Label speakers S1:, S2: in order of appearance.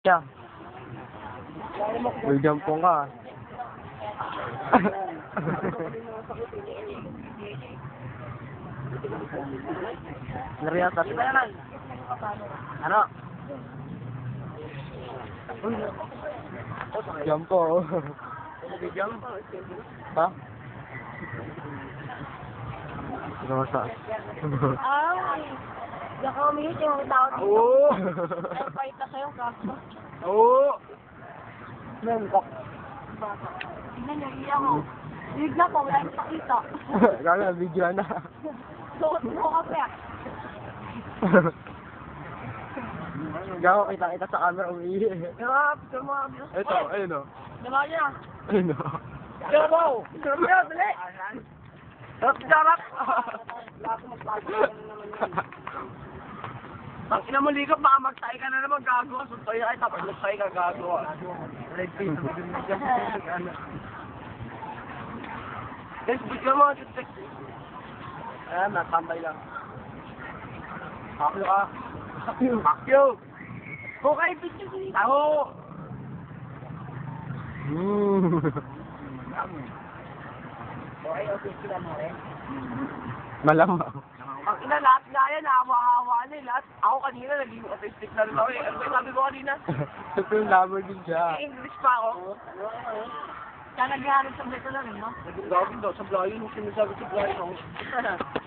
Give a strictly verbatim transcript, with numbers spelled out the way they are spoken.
S1: Yeah. May jampong ka. Nariyatat. Ano? Jampo. Jump? Ha? Rosa.
S2: Ay, diyan ka umihi, yung tao dito.
S1: Oo.
S2: Ay, paita sa'yo, kaso.
S1: Oo. Nangkak.
S2: Tingnan niyo, iya ko. Bigla po, wala yung pakita.
S1: Kaya video na.
S2: Suot mo ka pa.
S1: Gawa kita kita sa camera umihi.
S2: Hirap, sumama.
S1: Ito, ayun o.
S2: Diba niya?
S1: Ayun o.
S2: Diba? Diba, dali. Sarap, sarap. Pag ina mo likap, baka magtay ka na naman, gago. Suntay ka, tapos magtay ka, gago. Red face, guys, bigyan mo, tutek. Ayan, natambay lang. Pakyo ka. Pakyo. Pakyo. Okay, bitch. Ako.
S1: Mm.
S2: Okay, okay, sila mo rin.
S1: Malamang.
S2: Ang ina, lahat nga yan, hawa-hawa na eh. Lahat, ako kanina, naging autistic na rin ako eh. Ano ba sabi ko kanina?
S1: Ito yung lover din siya.
S2: English pa ako. Kaya naghahanap sa beto na rin, no? Naging gawin daw, sa blayo, yung sinasabi sa blayo.